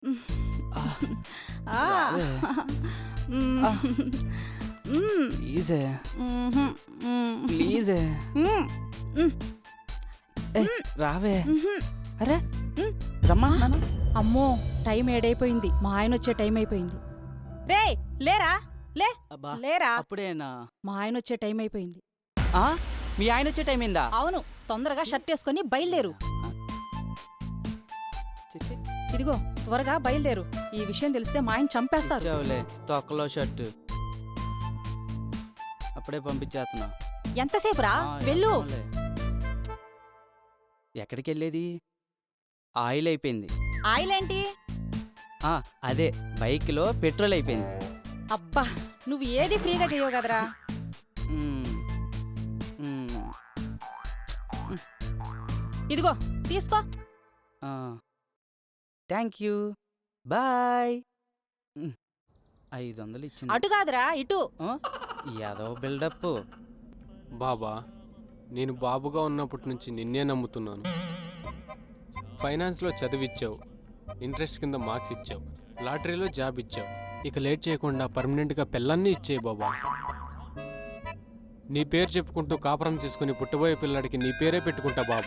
రావే. ప్లీజే ప్లీజే రావే. అరే రమ్మా. అమ్మో టైం ఏడైపోయింది, మా ఆయన వచ్చే టైం అయిపోయింది. రే లేరా, లే అబ్బా లేరా, అప్పుడేనా? మా ఆయన వచ్చే టైం అయిపోయింది. మీ ఆయన వచ్చే టైం ఏందా? అవును, తొందరగా షర్ట్ వేసుకొని బయలుదేరు. చిచ్చి, ఇదిగో త్వరగా బయలుదేరు, ఈ విషయం తెలిస్తే మా ఆయన చంపేస్తారు. ఇచ్చావులే తొక్కలో షర్టు. అప్పుడే పంపించేస్తున్నా. ఎంతసేపు రా, వెళ్ళు. వెళ్తాంలే. ఎక్కడికి వెళ్ళేది? ఆయిల్ అయిపోయింది. ఆయిల్ ఏంటి? అదే బైక్లో పెట్రోల్ అయిపోయింది. అబ్బా నువ్వు ఏది ఫ్రీగా చేయవు కదరా. మ్మ్. మ్మ్. ఇదిగో తీసుకో. Thank you, bye. 500 ఇచ్చింది. అటు కాదురా ఇటు. ఏదో బిల్డప్. బాబా, నేను బాబుగా ఉన్నప్పటి నుంచి నిన్నే నమ్ముతున్నాను. ఫైనాన్స్లో చదివిచ్చావు, ఇంట్రెస్ట్ కింద మార్క్స్ ఇచ్చావు, లాటరీలో జాబ్ ఇచ్చావు. ఇక లేట్ చేయకుండా పర్మనెంట్గా పిల్లల్ని ఇచ్చేయి బాబా. నీ పేరు చెప్పుకుంటూ కాపురం చేసుకుని పుట్టబోయే పిల్లాడికి నీ పేరే పెట్టుకుంటా బాబా.